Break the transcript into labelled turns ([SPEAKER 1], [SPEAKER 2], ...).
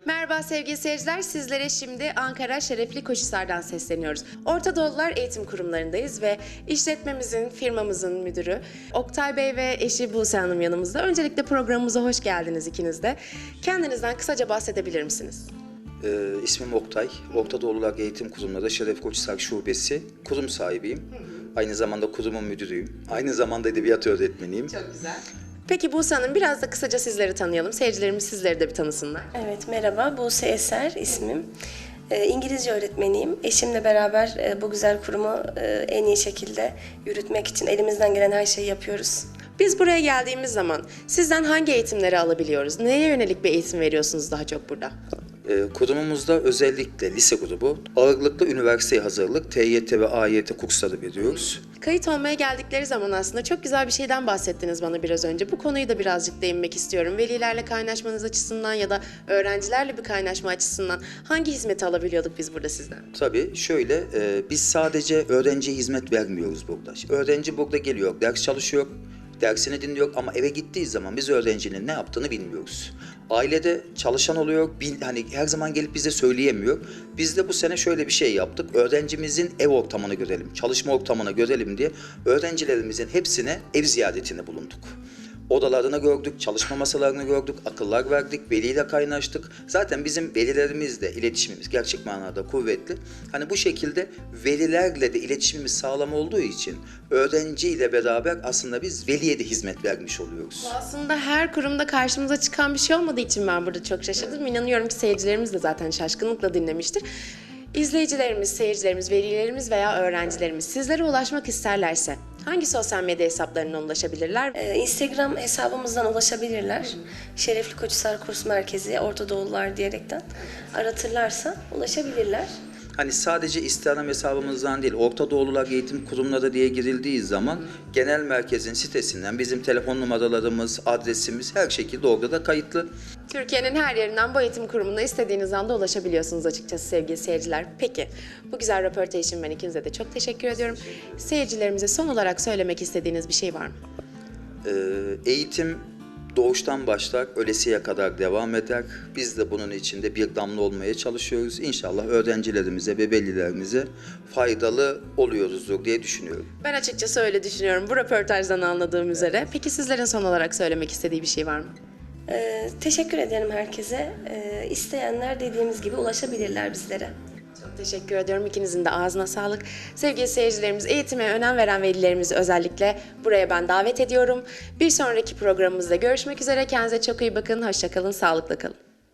[SPEAKER 1] Merhaba sevgili seyirciler, sizlere şimdi Ankara Şerefli Koçhisar'dan sesleniyoruz. Orta Doğulular Eğitim Kurumlarındayız ve işletmemizin, firmamızın müdürü Oktay Bey ve eşi Buse Hanım yanımızda. Öncelikle programımıza hoş geldiniz ikiniz de. Kendinizden kısaca bahsedebilir misiniz?
[SPEAKER 2] İsmim Oktay. Orta Doğulular Eğitim Kurumları Şeref Koçhisar Şubesi kurum sahibiyim. Aynı zamanda kurumun müdürüyüm. Aynı zamanda edebiyat öğretmeniyim.
[SPEAKER 1] Çok güzel. Peki Buse Hanım, biraz da kısaca sizleri tanıyalım. Seyircilerimiz sizleri de bir tanısınlar.
[SPEAKER 3] Evet, merhaba. Buse Eser ismim. İngilizce öğretmeniyim. Eşimle beraber bu güzel kurumu en iyi şekilde yürütmek için elimizden gelen her şeyi yapıyoruz.
[SPEAKER 1] Biz buraya geldiğimiz zaman sizden hangi eğitimleri alabiliyoruz? Neye yönelik bir eğitim veriyorsunuz daha çok burada?
[SPEAKER 2] Kurumumuzda özellikle lise grubu, ağırlıklı üniversiteye hazırlık, TYT ve AYT kursları veriyoruz.
[SPEAKER 1] Kayıt olmaya geldikleri zaman aslında çok güzel bir şeyden bahsettiniz bana biraz önce. Bu konuyu da birazcık değinmek istiyorum. Velilerle kaynaşmanız açısından ya da öğrencilerle bir kaynaşma açısından hangi hizmeti alabiliyorduk biz burada sizden?
[SPEAKER 2] Tabii şöyle, biz sadece öğrenciye hizmet vermiyoruz burada. Öğrenci burada geliyor, ders çalışıyor, dersini dinliyor ama eve gittiği zaman biz öğrencinin ne yaptığını bilmiyoruz. Ailede çalışan oluyor, hani her zaman gelip bize söyleyemiyor. Biz de bu sene şöyle bir şey yaptık. Öğrencimizin ev ortamını görelim, çalışma ortamını görelim diye öğrencilerimizin hepsine ev ziyaretinde bulunduk. Odalarını gördük, çalışma masalarını gördük, akıllar verdik, veliyle kaynaştık. Zaten bizim velilerimizle iletişimimiz gerçek manada kuvvetli. Hani bu şekilde velilerle de iletişimimiz sağlam olduğu için öğrenciyle beraber aslında biz veliye de hizmet vermiş oluyoruz.
[SPEAKER 1] Aslında her kurumda karşımıza çıkan bir şey olmadığı için ben burada çok şaşırdım. İnanıyorum ki seyircilerimiz de zaten şaşkınlıkla dinlemiştir. İzleyicilerimiz, seyircilerimiz, velilerimiz veya öğrencilerimiz sizlere ulaşmak isterlerse hangi sosyal medya hesaplarından ulaşabilirler?
[SPEAKER 3] Instagram hesabımızdan ulaşabilirler. Şerefli Koçhisar Kurs Merkezi, Orta Doğulular diyerekten aratırlarsa ulaşabilirler.
[SPEAKER 2] Hani sadece Instagram hesabımızdan değil, Orta Doğulular Eğitim Kurumları diye girildiği zaman genel merkezin sitesinden bizim telefon numaralarımız, adresimiz her şekilde orada da kayıtlı.
[SPEAKER 1] Türkiye'nin her yerinden bu eğitim kurumuna istediğiniz anda ulaşabiliyorsunuz açıkçası sevgili seyirciler. Peki, bu güzel röportaj için ben ikinize de çok teşekkür ediyorum. Seyircilerimize son olarak söylemek istediğiniz bir şey var mı?
[SPEAKER 2] Eğitim doğuştan başlar, ölesiye kadar devam eder. Biz de bunun içinde bir damla olmaya çalışıyoruz. İnşallah öğrencilerimize ve velilerimize faydalı oluyoruzdur diye düşünüyorum.
[SPEAKER 1] Ben açıkçası öyle düşünüyorum bu röportajdan anladığım üzere. Peki sizlerin son olarak söylemek istediği bir şey var mı?
[SPEAKER 3] Teşekkür ederim herkese. İsteyenler dediğimiz gibi ulaşabilirler bizlere.
[SPEAKER 1] Çok teşekkür ediyorum. İkinizin de ağzına sağlık. Sevgili seyircilerimiz, eğitime önem veren velilerimizi özellikle buraya ben davet ediyorum. Bir sonraki programımızda görüşmek üzere. Kendinize çok iyi bakın. Hoşça kalın, sağlıkla kalın.